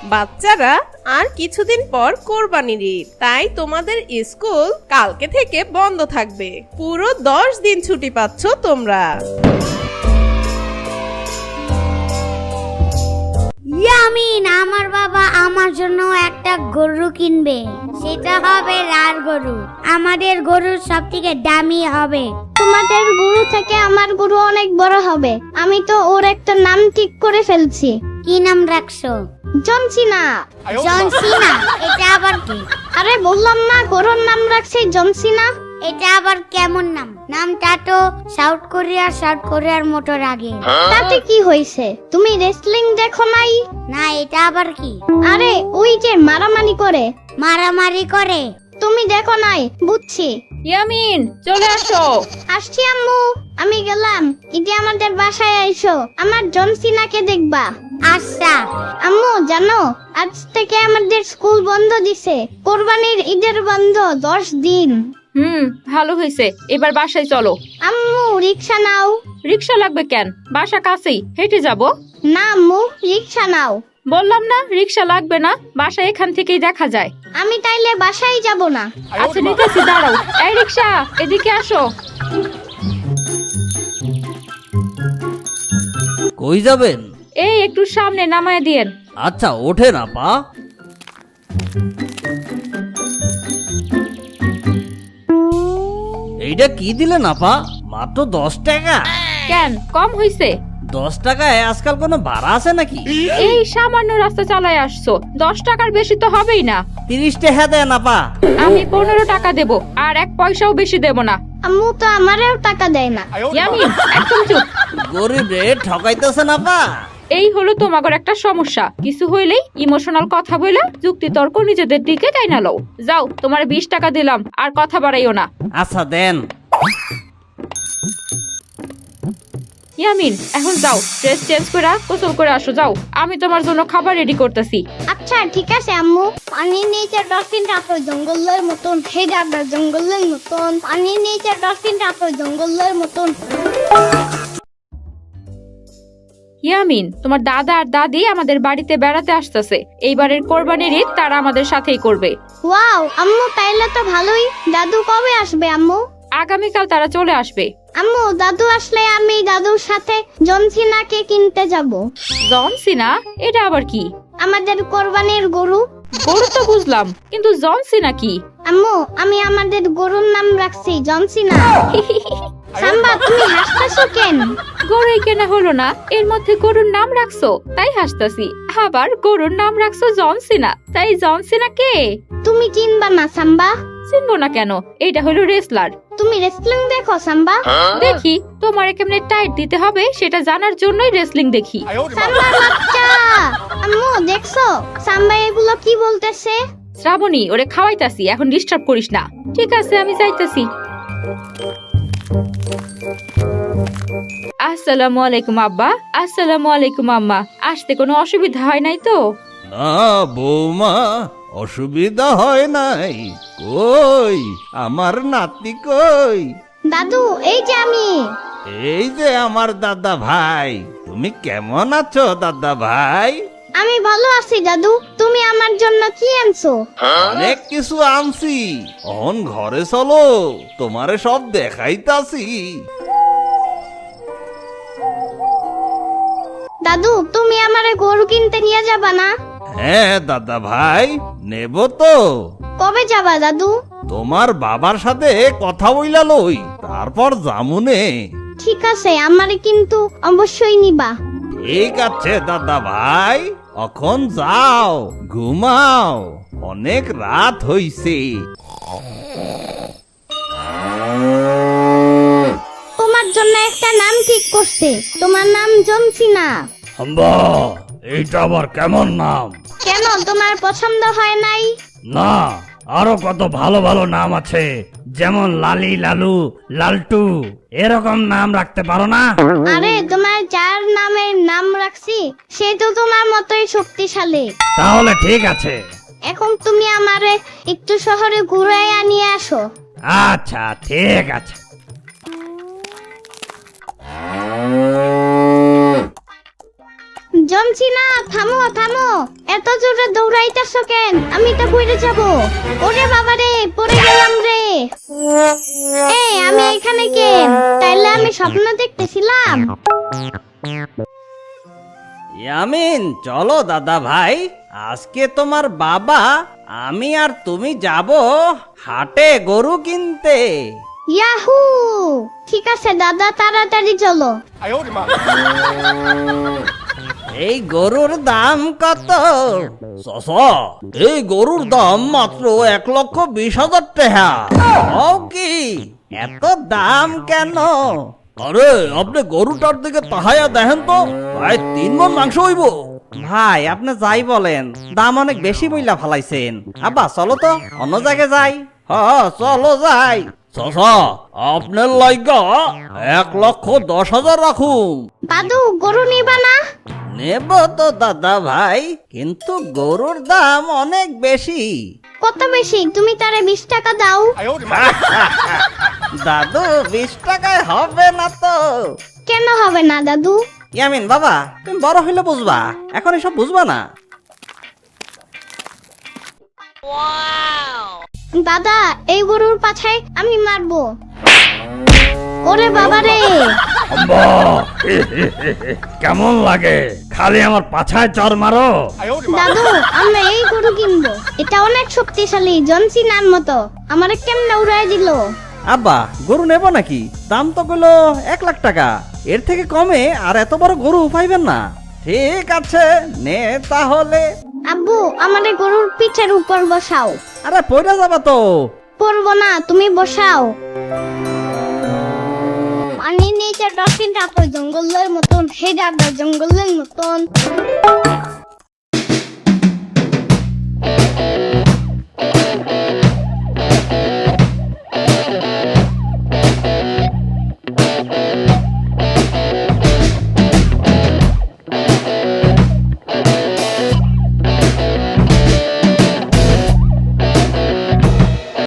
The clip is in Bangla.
বাচ্চারা আর কিছুদিন পর কোরবানির ঈদ, তাই তোমাদের স্কুল কালকে থেকে বন্ধ থাকবে। পুরো 10 দিন ছুটি পাচ্ছ তোমরা। ইয়ামিন, আমার বাবা আমার জন্য একটা গরু কিনবে। সেটা হবে লাল গরু। আমাদের গরুর সবথেকে দামি হবে। তোমাদের গরু থেকে আমার গরু অনেক বড় হবে। আমি তো ওর একটা নাম ঠিক করে ফেলছি। কি নাম রাখছো? জনসিনা। জনসিনা? এটা আবার কি? আরে বললাম না, গরুর নাম রাখছি জনসিনা। এটা আবার কেমন নাম? নামটা তো সাউথ কোরিয়ার মতো আগে। তাতে কি হয়েছে? তুমি রেসলিং দেখো নাই? না, এটা আবার কি? আরে ওই যে মারামারি করে। মারামারি করে? তুমি দেখো নাই, বুঝছি। ইয়ামিন, চলে আসো। আসছি আম্মু, আমি গেলাম। ঈদে আমাদের বাসায় আইসো, আমার জনসিনাকে দেখবা। আচ্ছা। আম্মু জানো, আজ থেকে আমাদের স্কুল বন্ধ দিছে। কোরবানির ঈদের বন্ধ 10 দিন। ভালো হয়েছে। এবার বাসায় চলো। আম্মু রিক্সা নাও। রিক্সা লাগবে কেন? বাসা কাছেই, হেঁটে যাব। না আম্মু, রিক্সা নাও। বললাম না রিক্সা লাগবে না, বাসা এখান থেকেই দেখা যায়। আমি তাইলে বাসায় যাব না। আচ্ছা নিতেছি, দাঁড়াও। এই রিক্সা, এদিকে আসো। কই যাবেন? এই একটু সামনে নামায় দিয়েন। আচ্ছা ওঠে না পা। এইটা কি দিলেন আপা? মাত্র 10 টাকা? কেন কম হইছে? 10 টাকায় আজকাল কোনো ভাড়া আছে নাকি? এই সামান্য রাস্তা চালায় আসছো, 10 টাকার বেশি তো হবেই না। 30 টাকা দেন আপা। আমি 15 টাকা দেব, আর 1 পয়সাও বেশি দেব না। আম্মু তো আমারেও টাকা দেয় না। ইয়ামিন, একদম চুপ। গরিব রে ঠকাইতেছেন আপা। এই হলো তোমাগর একটা সমস্যা। কিছু হইলেই ইমোশনাল কথা বলে যুক্তি তর্ক নিজেদের দিকে টাইনা লও। যাও, তোমার 20 টাকা দিলাম, আর কথা বাড়াইও না। আচ্ছা দেন। ইয়ামিন, এখন যাও, ড্রেস চেঞ্জ করে গোসল করে আসো। যাও, আমি তোমার জন্য খাবার রেডি করতেছি। আচ্ছা ঠিক আছে আম্মু। পানির নিচে ডলফিনটা তো জঙ্গলের মতন, হে দাদা জঙ্গলের মতন। পানির নিচে ডলফিনটা তো জঙ্গলের মতন। ইয়ামিন, তোমার দাদা আর দাদি আমাদের বাড়িতে বেড়াতে আসতেছে। এইবারের কোরবানির ঈদ তারা আমাদের সাথেই করবে। ওয়াও আম্মু, তাইলে তো ভালোই। দাদু কবে আসবে আম্মু? আগামীকাল তারা চলে আসবে। আম্মু, দাদু আসলে আমি দাদুর সাথে জনসিনাকে কিনতে যাব। জন সিনা? এটা আবার কি? আমাদের কোরবানির গরু। গরু তো বুঝলাম, কিন্তু জন সিনা কি? আম্মু, আমি আমাদের গরুর নাম রাখছি জনসিনা। সাম্বা, তুমি হাসতেছো কেন? গরুই কেনা হলো না, এর মধ্যে গরুর নাম রাখছো তাই হাসতাছি। আবার গরুর নাম রাখছো জন সিনা, তাই জন সিনা কে? তুমি চিনবা না সাম্বা? চিনবো না কেন? এটা হলো রেসলার। তুমি রেসলিং দেখো সাম্বা? দেখি, তোমার কেমনে টাইট দিতে হবে সেটা জানার জন্যই রেসলিং দেখি। সাম্বার বাচ্চা। আম্মু দেখছো সাম্বা এগুলো কি বলতেছে? শ্রাবণী, ওরে খাওয়াইতাছি, এখন ডিস্টার্ব করিস না। ঠিক আছে, আমি যাইতাছি। আসসালামু আলাইকুম আব্বা। আসসালামু আলাইকুম আম্মা। আসতে কোনো অসুবিধা হয় নাই তো? না বৌমা, অসুবিধা হয় নাই। কই আমার নাতি কই? দাদু, এই যে আমি। এই যে আমার দাদা ভাই। তুমি কেমন আছো দাদা ভাই? আমি ভালো আছি দাদু। তুমি আমার জন্য কি আনছো? অনেক কিছু আনছি। অন ঘরে চলো, তোমারে সব দেখাইতাছি। দাদু, তুমি আমারে গরু কিনতে নিয়ে যাবা না? হ্যাঁ দাদা ভাই, নেব তো। কবে যাবা দাদু? তোমার বাবার সাথে কথা বইলা লই, তারপর জামুনে। ঠিক আছে, আমারে কিন্তু অবশ্যই নিবা। ঠিক আছে দাদা ভাই, এখন যাও, ঘুমাও, অনেক রাত হইছে। তোমার জন্য একটা নাম ঠিক করছে। তোমার নাম জনসিনা। হাম্বা, এইটা আবার কেমন নাম? কেন, তোমার পছন্দ হয় নাই? না, আরো কত ভালো ভালো নাম আছে, যেমন লালি, লালু, লালটু, এরকম নাম রাখতে পারো না? আরে তোমার যার নামের নাম রাখছি সে তো তোমার মতোই শক্তিশালী। তাহলে ঠিক আছে। এখন তুমি আমারে একটু শহরে ঘুরাইয়া নিয়ে আসো। আচ্ছা ঠিক আছে। জমছিনা, থামো থামো, এত জোরে দৌড়াইতেছো কেন? আমি তো পড়ে যাব। ওরে বাবা রে, পড়ে গেলাম রে। এই আমি এখানে কেন? তাইলে আমি স্বপ্ন দেখতেছিলাম। ইয়ামিন, চলো দাদা ভাই, আজকে তোমার বাবা, আমি আর তুমি যাব হাটে গরু কিনতে। ইয়াহু, ঠিক আছে দাদা, তাড়াতাড়ি চলো। এই গরুর দাম কত? চাচা, এই গরুর দাম মাত্র 1,20,000 টাকা। ও কি, এত দাম কেন? আরে আপনি গরুটার দিকে তাহাইয়া দেখেন তো, প্রায় 3 মণ মাংস হইব। ভাই, আপনি যাই বলেন, দাম অনেক বেশি বইলা ফালাইছেন। আব্বা চলো তো, অন্য জায়গায় যাই। হ্যাঁ চলো যাই। চাচা, আপনার লাইগা 1,10,000 রাখুন। দাদু, গরু নিবা না? নেব তো দাদা ভাই, কিন্তু গরুর দাম অনেক বেশি। কত বেশি? তুমি তারে 20 টাকা দাও। দাদু, 20 টাকায় হবে না তো। কেন হবে না দাদু? ইয়ামিন বাবা, তুমি বড় হইলে বুঝবা, এখন এসব বুঝবা না। দাদা, এই গরুর পাছায় আমি মারবো। ওরে বাবা রে। আম্মা! কেমন লাগে? খালি আমার পাছায় চর মারো। দাদু, আমরা এই গরু কিনবো। এটা অনেক শক্তিশালী, জনসিনার মতো। আমারে কেমনে উড়াই দিল? আব্বা, গরু নেব নাকি? দাম তো কইলো 1,00,000 টাকা। এর থেকে কমে আর এত বড় গরু পাইবেন না। ঠিক আছে, নে তাহলে। আব্বু, আমারে গরুর পিঠের উপর বসাও। আরে পয়রা যাবা তো। পড়বো না, তুমি বসাও। পানির নিচে ডলফিনটা তো জঙ্গলের মতন, হে দাদা জঙ্গলের মতন।